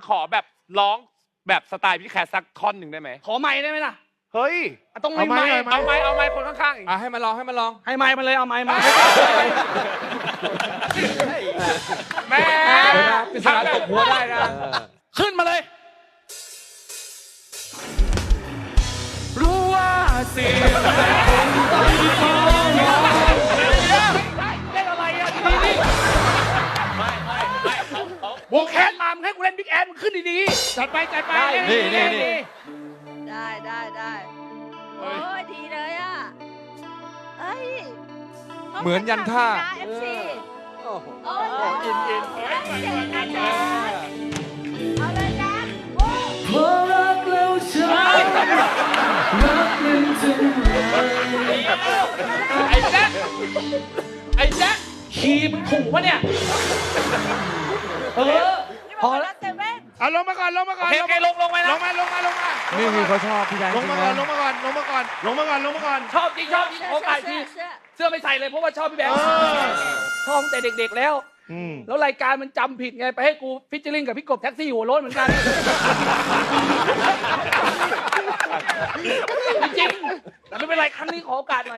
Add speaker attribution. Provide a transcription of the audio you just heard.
Speaker 1: ขอแบบร้องแบบสไตล์พี่แคสสักท่อนหนึ่งได้ไหม
Speaker 2: ขอไม้ได้ไหมล่ะ
Speaker 1: เฮ้ย
Speaker 2: ต้องไม่ไม้
Speaker 1: เอาไม้คนข้างๆอีก
Speaker 3: ให้มันลองให้มันลอง
Speaker 2: ให้ไม้มาเลยเอาไม้มา
Speaker 1: แม่
Speaker 3: ปริศนาตบหัวได้นะ
Speaker 2: ขึ้นมาเลย รู้ว่าสิ่งเล่นอะไรอ่ะดีนี่วงแคนมามึงให้กูเล่นบิ๊กแอนมึงขึ้นดีๆจัดไปจัดไป
Speaker 3: นี่
Speaker 4: ได้โอ้ยดีเลยอ่ะเอ้ย
Speaker 3: เหมือนยันท่า
Speaker 4: เอฟซีโอ้ย
Speaker 2: อิน
Speaker 4: เก่งนะจ๊ะเอาเลยนะโอ้ย
Speaker 2: พอรักแล้วฉันรักมันจึง
Speaker 1: ไอ้แจ๊คไอ้แจ๊ค
Speaker 2: ขี่มึงขู่ปะเนี่ยพอ
Speaker 4: แล้
Speaker 2: แล้ว ว
Speaker 4: เซเว่น
Speaker 5: เอาลงมาก่อนลงมาก่อน
Speaker 1: โอเคลงไปนะ
Speaker 5: ลงมา
Speaker 3: นี่คือเขาชอบพี่ชาย
Speaker 5: ลงมาก่อนลงมาก่อนลงมาก่อนลงมาก่อนลงมาก่อน
Speaker 2: ชอบจริงโอกาสทีเสื้อไม่ใส่เลยเพราะว่าชอบพี่แบงค์ชอบตั้งแต่เด็กๆแล้ว แล้วรายการมันจำผิดไงไปให้กูฟิชเชอร์ลิงกับพี่กบแท็กซี่หัวโล้นเหมือนกัน จริงๆแต่ไม่เป็นไรครั้งนี้ขอโอกาสหน่อย